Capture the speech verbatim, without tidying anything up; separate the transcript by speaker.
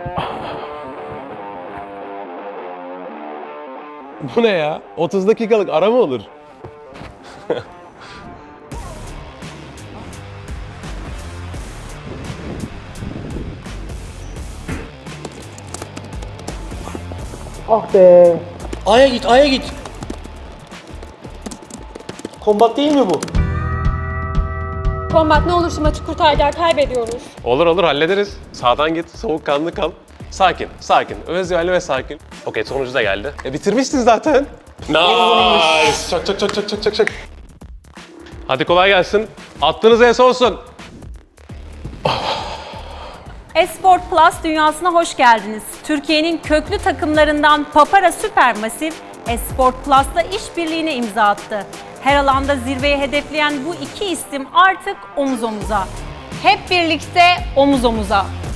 Speaker 1: Bu ne ya? otuz dakikalık ara mı olur?
Speaker 2: Ah be. A'ya git, A'ya git. Kombat değil mi bu?
Speaker 3: Kombat ne olur şu maçı kurtar, kaybediyoruz.
Speaker 1: Olur olur hallederiz. Sağdan git, soğukkanlı kal. Sakin, sakin. Özgürlü ve sakin. Okey, sonucu da geldi. E bitirmiştin zaten. Nice. Çak çak çak çak çak çak çak. Hadi kolay gelsin. Attığınız en olsun.
Speaker 4: Esport Plus dünyasına hoş geldiniz. Türkiye'nin köklü takımlarından Papara Supermassive, Esport Plus'la işbirliğine imza attı. Her alanda zirveyi hedefleyen bu iki isim artık omuz omuza. Hep birlikte omuz omuza.